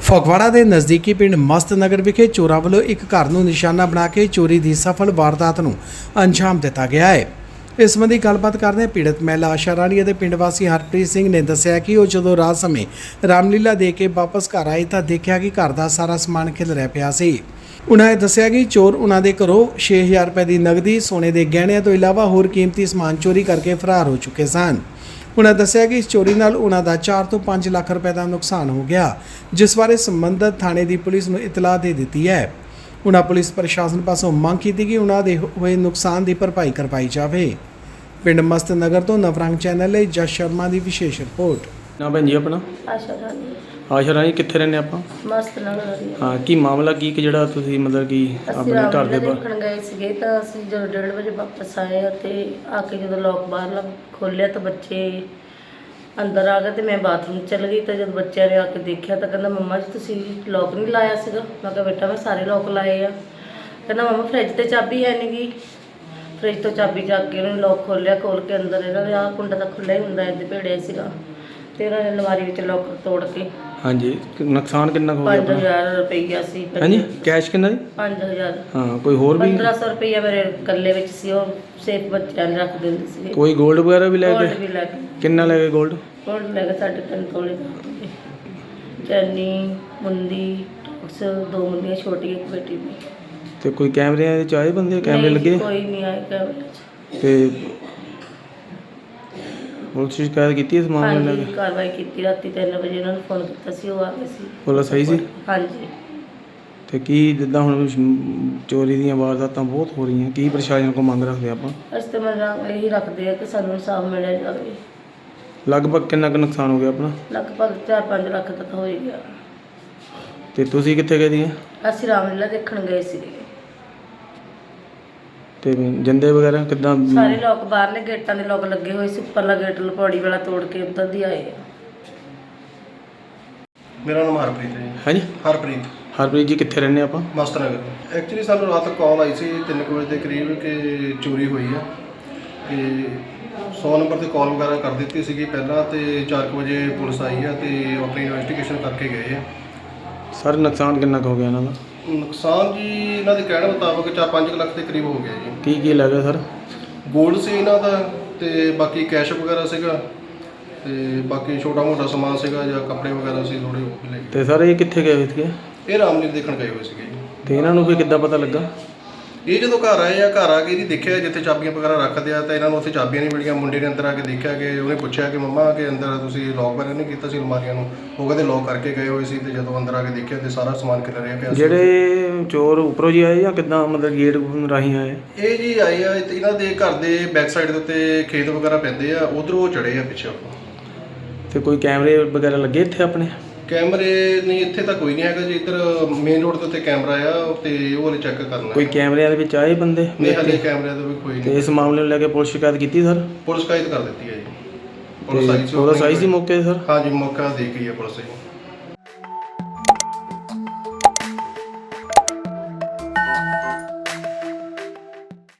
ਫਗਵਾੜਾ ਦੇ ਨਜ਼ਦੀਕੀ ਪਿੰਡ ਮਸਤ ਨਗਰ ਵਿਖੇ ਚੋਰਾਂ ਵੱਲੋਂ ਇੱਕ ਘਰ ਨੂੰ ਨਿਸ਼ਾਨਾ ਬਣਾ ਕੇ ਚੋਰੀ ਦੀ ਸਫਲ ਵਾਰਦਾਤ ਨੂੰ ਅੰਜਾਮ ਦਿੱਤਾ ਗਿਆ ਹੈ। ਇਸ ਸੰਬੰਧੀ ਗੱਲਬਾਤ ਕਰਦੇ ਪੀੜਤ ਮਹਿਲਾ ਆਸ਼ਾ ਰਾਣੀ ਅਤੇ ਪਿੰਡ ਵਾਸੀ ਹਰਪ੍ਰੀਤ ਸਿੰਘ ਨੇ ਦੱਸਿਆ ਕਿ ਉਹ ਜਦੋਂ ਰਾਤ ਸਮੇਂ ਰਾਮਲੀਲਾ ਦੇ ਕੇ ਵਾਪਸ ਘਰ ਆਏ ਤਾਂ ਦੇਖਿਆ ਕਿ ਘਰ ਦਾ ਸਾਰਾ ਸਮਾਨ ਖਿਲਰਿਆ ਪਿਆ ਸੀ। ਉਨ੍ਹਾਂ ਨੇ ਦੱਸਿਆ ਕਿ ਚੋਰ ਉਨ੍ਹਾਂ ਦੇ ਘਰੋਂ 6000 ਰੁਪਏ ਦੀ ਨਗਦੀ, ਸੋਨੇ ਦੇ ਗਹਿਣਿਆਂ ਤੋਂ ਇਲਾਵਾ ਹੋਰ ਕੀਮਤੀ ਸਮਾਨ ਚੋਰੀ ਕਰਕੇ ਫਰਾਰ ਹੋ ਚੁੱਕੇ ਸਨ। उन्होंने दस्सिया कि इस चोरी नाल उन्हां दा 4 ਤੋਂ 5 ਲੱਖ रुपए का नुकसान हो गया, जिस बारे संबंधित थाने की पुलिस नूं इतला दे दी है। उन्हां पुलिस प्रशासन पासों मंग की कि उन्हां दे होए नुकसान की भरपाई करवाई जाए। पिंड मस्त नगर तो नवरंग चैनल ਲਈ जस शर्मा की विशेष रिपोर्ट। ना भैन जी अपना आशा रानी कित्थे रहने आपां? मस्त नगर। हाँ की मामला की कि जिहड़ा तुसीं मतलब कि अपने घर दे देखण गए सीगे ਤਾਂ ਅਸੀਂ ਜਦੋਂ 1:30 ਵਜੇ ਵਾਪਸ ਆਏ ਤੇ ਆ ਕੇ ਜਦੋਂ ਲੋਕ ਬਾਹਰ ਖੋਲ੍ਹਿਆ ਤਾਂ ਬੱਚੇ ਅੰਦਰ ਆ ਗਏ ਤੇ ਮੈਂ ਬਾਥਰੂਮ ਚਲ ਗਈ। ਤਾਂ ਜਦ ਬੱਚਿਆਂ ਨੇ ਆ ਕੇ ਦੇਖਿਆ ਤਾਂ ਕਹਿੰਦਾ ਮੰਮਾ ਜੀ ਤੁਸੀਂ ਲੋਕ ਨਹੀਂ ਲਾਇਆ ਸੀਗਾ। ਮੈਂ ਕਿਹਾ ਬੇਟਾ ਮੈਂ ਸਾਰੇ ਲੋਕ ਲਾਏ ਆ। ਕਹਿੰਦਾ ਮੰਮਾ ਫਰਿੱਜ ਤੇ ਚਾਬੀ ਹੈ ਨਹੀਂ ਗੀ। ਫਰਿੱਜ ਤੋਂ ਚਾਬੀ ਚੱਕ ਕੇ ਉਹਨੇ ਲੋਕ ਖੋਲ੍ਹਿਆ, ਖੋਲ੍ਹ ਕੇ ਅੰਦਰ ਇਹਨਾਂ ਦੇ ਆਹ ਕੁੰਡਾ ਤਾਂ ਖੁੱਲ੍ਹਾ ਹੀ ਹੁੰਦਾ, ਇੱਦਾਂ ਭੇੜਿਆ ਸੀਗਾ। ਤੇ ਉਹਨਾਂ ਨੇ ਅਲਮਾਰੀ ਵਿੱਚ ਲੋਕ ਤੋੜ ਕੇ हाँ जी नुकसान कितना हो गया? 5000 ਰੁਪਈਆ ਸੀ। हाँ जी कैश कितना जी? 5000। हाँ कोई होर भी 1500 ਰੁਪਈਆ ਮੇਰੇ ਗੱਲੇ ਵਿੱਚ ਸੀ, ਉਹ ਸੇਫ ਬੱਚਿਆਂ ਨੇ ਰੱਖ ਦਿੰਦੇ ਸੀ। कोई गोल्ड वगैरह भी ले ਗੋਲਡ गए? ਵੀ ਲੈ ਗਏ। कितना ले गए गोल्ड? ਗੋਲਡ ਲੈ ਗਏ 3.5 ਤੋਲੇ ਚੈਨੀ, ਮੁੰਦੀ, ਟੌਕਸ, 2 ਮੁੰਦੀਆਂ ਛੋਟੀਆਂ, ਇੱਕ ਬੇਟੀ ਦੀ। ਤੇ ਕੋਈ ਕੈਮਰੇ ਚ ਆਏ ਬੰਦੇ? ਕੈਮਰੇ ਲੱਗੇ? ਕੋਈ ਨਹੀਂ ਆਏ ਕੈਮਰੇ 'ਚ। ਤੇ ਪੁਲਿਸ ਸ਼ਿਕਾਇਤ ਕੀਤੀ ਇਸ ਮਾਮਲੇ ਨਾਲ? ਹਾਂਜੀ ਕਾਰਵਾਈ ਕੀਤੀ। ਰਾਤੀ 3 ਵਜੇ ਉਹਨਾਂ ਨੂੰ ਫੋਨ ਕੀਤਾ ਸੀ, ਉਹ ਆ ਗਏ ਸੀ। ਪੁਲਿਸ ਸਹੀ ਸੀ? ਹਾਂਜੀ। ਤੇ ਕੀ ਜਿੱਦਾਂ ਹੁਣ ਚੋਰੀ ਦੀਆਂ ਵਾਰਦਾਤਾਂ ਬਹੁਤ ਹੋ ਰਹੀਆਂ, ਕੀ ਪ੍ਰਸ਼ਾਸਨ ਕੋਲ ਮੰਗ ਰੱਖਦੇ ਆਪਾਂ? ਅਸੀਂ ਤਾਂ ਮੰਗ ਇਹੀ ਰੱਖਦੇ ਆ ਕਿ ਸਾਨੂੰ ਇਨਸਾਫ ਮਿਲਿਆ ਜਾਵੇ। ਲਗਭਗ ਕਿੰਨਾ ਕੁ ਨੁਕਸਾਨ ਹੋ ਗਿਆ ਆਪਣਾ? ਲਗਭਗ 4-5 ਲੱਖ ਤੱਕ ਹੋ ਹੀ ਗਿਆ। ਤੇ ਤੁਸੀਂ ਕਿੱਥੇ ਗਏ ਦੀਆਂ? ਅਸੀਂ ਰਾਮਲੀਲਾ ਦੇਖਣ ਗਏ ਸੀ। ਤੇ ਜੰਦੇ ਵਗੈਰਾ ਕਿੱਦਾਂ? ਸਾਰੇ ਲੋਕ ਬਾਹਰਲੇ ਗੇਟਾਂ ਦੇ ਲੋਕ ਲੱਗੇ ਹੋਏ ਸੀ, ਉੱਪਰਲਾ ਗੇਟ ਲਪੌੜੀ ਵਾਲਾ ਤੋੜ ਕੇ ਉੱਧਰ ਦੀ ਆਏ ਆ। ਮੇਰਾ ਨਾਮ ਹਰਪ੍ਰੀਤ ਹੈ ਜੀ। ਹਾਂਜੀ ਹਰਪ੍ਰੀਤ ਜੀ ਕਿੱਥੇ ਰਹਿੰਦੇ ਆਪਾਂ? ਮਸਤ ਨਗਰ। ਐਕਚੁਅਲੀ ਸਾਨੂੰ ਰਾਤ ਕਾਲ ਆਈ ਸੀ 3 ਵਜੇ ਦੇ ਕਰੀਬ ਕਿ ਚੋਰੀ ਹੋਈ ਆ। ਕਿ 100 ਨੰਬਰ ਤੇ ਕਾਲ ਵਗੈਰਾ ਕਰ ਦਿੱਤੀ ਸੀਗੀ ਪਹਿਲਾਂ, ਤੇ 4 ਵਜੇ ਪੁਲਿਸ ਆਈ ਆ ਤੇ ਆਪਣੀ ਇਨਵੈਸਟੀਗੇਸ਼ਨ ਕਰਕੇ ਗਏ ਆ। ਸਰ ਨੁਕਸਾਨ ਕਿੰਨਾ ਕੁ ਹੋ ਗਿਆ ਇਹਨਾਂ ਦਾ? ਨੁਕਸਾਨ ਜੀ ਇਹਨਾਂ ਦੇ ਕਹਿਣ ਮੁਤਾਬਕ 4-5 ਲੱਖ ਦੇ ਕਰੀਬ ਹੋ ਗਿਆ ਜੀ। ਕੀ ਲੱਗਾ ਸਰ? ਗੋਲਡ ਸੀ ਇਹਨਾਂ ਦਾ, ਤੇ ਬਾਕੀ ਕੈਸ਼ ਵਗੈਰਾ ਸੀਗਾ, ਤੇ ਬਾਕੀ ਛੋਟਾ ਮੋਟਾ ਸਮਾਨ ਸੀਗਾ ਜਾਂ ਕੱਪੜੇ ਵਗੈਰਾ ਸੀ ਥੋੜੇ ਉਹ ਵੀ ਲੈ ਗਏ। ਤੇ ਸਰ ਇਹ ਕਿੱਥੇ ਗਏ ਸੀਗੇ? ਇਹ ਰਾਮਲੀਲਾ ਦੇਖਣ ਗਏ ਹੋਏ ਸੀਗੇ ਜੀ। ਤੇ ਇਹਨਾਂ ਨੂੰ ਵੀ ਕਿੱਦਾਂ ਪਤਾ ਲੱਗਾ? ਇਹ ਜਦੋਂ ਘਰ ਆਏ ਆ, ਘਰ ਆ ਕੇ ਇਹਦੀ ਦੇਖਿਆ ਜਿੱਥੇ ਚਾਬੀਆਂ ਵਗੈਰਾ ਰੱਖਦੇ ਆ, ਤਾਂ ਇਹਨਾਂ ਨੂੰ ਉੱਥੇ ਚਾਬੀਆਂ ਨਹੀਂ ਮਿਲੀਆਂ। ਮੁੰਡੇ ਨੇ ਅੰਦਰ ਆ ਕੇ ਦੇਖਿਆ ਕਿ ਉਹਨੇ ਪੁੱਛਿਆ ਕਿ ਮੰਮਾ ਕਿ ਅੰਦਰ ਤੁਸੀਂ ਲੋਕ ਵਗੈਰਾ ਨਹੀਂ ਕੀਤਾ ਸੀ ਅਲਮਾਰੀਆਂ ਨੂੰ? ਉਹ ਕਹਿੰਦੇ ਲੋਕ ਕਰਕੇ ਗਏ ਹੋਏ ਸੀ। ਤੇ ਜਦੋਂ ਅੰਦਰ ਆ ਕੇ ਦੇਖਿਆ ਤੇ ਸਾਰਾ ਸਮਾਨ ਖਿਲਰਿਆ ਪਿਆ ਸੀ। ਜਿਹੜੇ ਚੋਰ ਉੱਪਰੋਂ ਜੀ ਆਏ ਜਾਂ ਕਿੱਦਾਂ ਮਤਲਬ ਗੇਟ ਰਾਹੀਂ ਆਏ? ਇਹ ਜੀ ਆਏ ਆ ਤੇ ਇਹਨਾਂ ਦੇ ਘਰ ਦੇ ਬੈਕ ਸਾਈਡ ਦੇ ਉੱਤੇ ਖੇਤ ਵਗੈਰਾ ਪੈਂਦੇ ਆ, ਉਧਰੋਂ ਚੜੇ ਆ ਪਿੱਛੇ। ਤੇ ਕੋਈ ਕੈਮਰੇ ਵਗੈਰਾ ਲੱਗੇ ਇੱਥੇ ਆਪਣੇ? ਕੈਮਰੇ ਨਹੀਂ, ਇੱਥੇ ਤਾਂ ਕੋਈ ਨਹੀਂ ਹੈਗਾ ਜੀ। ਇੱਧਰ ਮੇਨ ਰੋਡ ਦੇ ਉੱਤੇ ਕੈਮਰਾ ਆ ਤੇ ਉਹ ਵਾਲੇ ਚੈੱਕ ਕਰਨਾ। ਕੋਈ ਕੈਮਰਿਆਂ ਦੇ ਵਿੱਚ ਆਏ ਬੰਦੇ? ਨਹੀਂ ਹਾਲੇ ਕੈਮਰਿਆਂ ਦਾ ਵੀ ਕੋਈ ਤੇ ਨਹੀਂ। ਇਸ ਮਾਮਲੇ ਨੂੰ ਲੈ ਕੇ ਪੁਲਿਸ ਸ਼ਿਕਾਇਤ ਕੀਤੀ ਸਰ? ਪੁਲਿਸ ਸ਼ਿਕਾਇਤ ਕਰ ਦਿੱਤੀ ਹੈ ਜੀ। ਪੁਲਿਸ ਆਈ ਸੀ ਮੌਕੇ ਤੇ ਸਰ? ਹਾਂਜੀ ਮੌਕਾ ਦੇ ਗਈ ਹੈ ਪੁਲਿਸ ਜੀ।